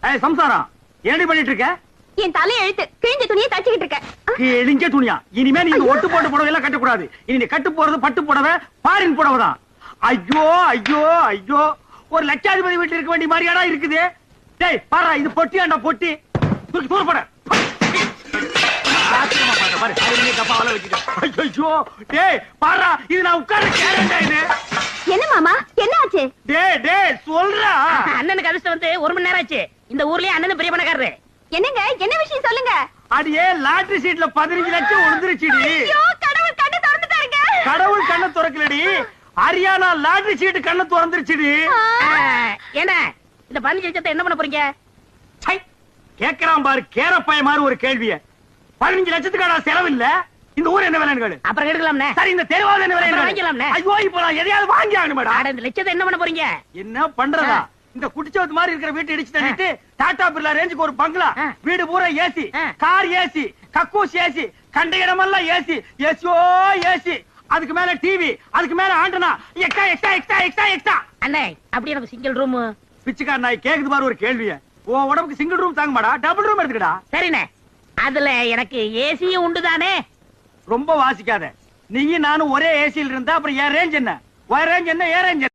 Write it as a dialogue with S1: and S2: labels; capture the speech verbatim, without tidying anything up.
S1: ஏய் சம்சாரம் என்னடி பண்ணிட்டு இருக்க?
S2: என் தலை எழுத்து கிழிஞ்ச துணியை தச்சுக்கிட்டு இருக்க.
S1: கிழிஞ்ச துணியா? இனிமே நீ இந்த ஒட்டு போட்டு புடவை எல்லாம் கட்டக்கூடாது. இனி நீ கட்டு போறது பட்டு புடவை, பாரின் புடவை தான். ஐயோ ஐயோ ஐயோ, ஒரு லட்சாதிபதி வீட்டுல இருக்க வேண்டிய மாதிரியாடா இருக்குது. டேய் பாரா, இது பொட்டியாண்டா பொட்டி. தூக்கி தூர போட. பாரு அதுலயே கப்பாவல வச்சிட்ட. ஐயோ டேய் பாரா, இது நான் உட்கார்ற கேரண்டா இது.
S2: என்ன மாமா என்ன ஆச்சு?
S1: டேய் டேய் சொல்றா.
S3: அண்ணனுக்கு அதிர்ஷ்டம் வந்து ஒரு மணி நேரம் ஆச்சு. இந்த ஊர்லயே அண்ணன் பெரிய பணக்காரரு.
S2: என்னங்க என்ன விஷயம் சொல்லுங்க.
S1: அடியே லாட்டரி சீட்ல பதினஞ்சு லட்சம் விழுந்துருச்சுடி.
S2: ஐயோ கடவுள் கண்ணை திறந்துட்டாருங்க.
S1: கடவுள் கண்ணை திறக்கலடி, ஹரியானா லாட்டரி சீட் கண்ணை திறந்துருச்சுடி.
S3: என்ன இந்த பதினஞ்சு லட்சத்தை என்ன பண்ண போறீங்க?
S1: சை, கேக்குறான் பாரு கேரப்பாய மாதிரி ஒரு கேள்விய. பதினஞ்சு லட்சத்துக்கான செலவு இல்ல. இந்த ஊர் என்ன விலைன்னு கேளு.
S3: அப்புறம் எடுக்கலாம்னே.
S1: சரி இந்த தெருவாவது என்ன விலை
S3: வாங்கிக்கலாம்னே.
S1: ஐயோ இப்போ நான் எதையாவது வாங்கி ஆகணும் மேடம்.
S3: அட இந்த லட்சத்தை என்ன பண்ண போறீங்க?
S1: என்ன பண்றதா? இந்த குடிச்சவத்து மாதிரி இருக்கிற வீட்டை இடிச்சு தள்ளிட்டு டாடா பிர்லா ரேஞ்சுக்கு ஒரு பங்களா, வீடு பூரா ஏசி, கார் ஏசி, கக்கூஸ் ஏசி, கண்ட இடமெல்லாம் ஏசி, ஏசியோ ஏசி, அதுக்கு மேல டிவி, அதுக்கு மேல antenna, extra extra extra extra extra.
S3: அண்ணே அப்படி எனக்கு சிங்கிள் ரூம்.
S1: பிச்சைக்கார நாய் கேக்குது பாரு ஒரு கேள்விய. உன் உடம்புக்கு சிங்கிள் ரூம் தாங்க மாடா, டபுள் ரூம் எடுத்துக்கடா.
S3: சரிண்ணே, அதுல எனக்கு ஏசியும் உண்டு தானே.
S1: ரொம்ப வாசிக்காத. நீயும் நானும் ஒரே ஏசியில் இருந்தா அப்புறம் என் ரேஞ்ச் என்ன, உன் ரேஞ்ச் என்ன, ஏன் ரேஞ்ச்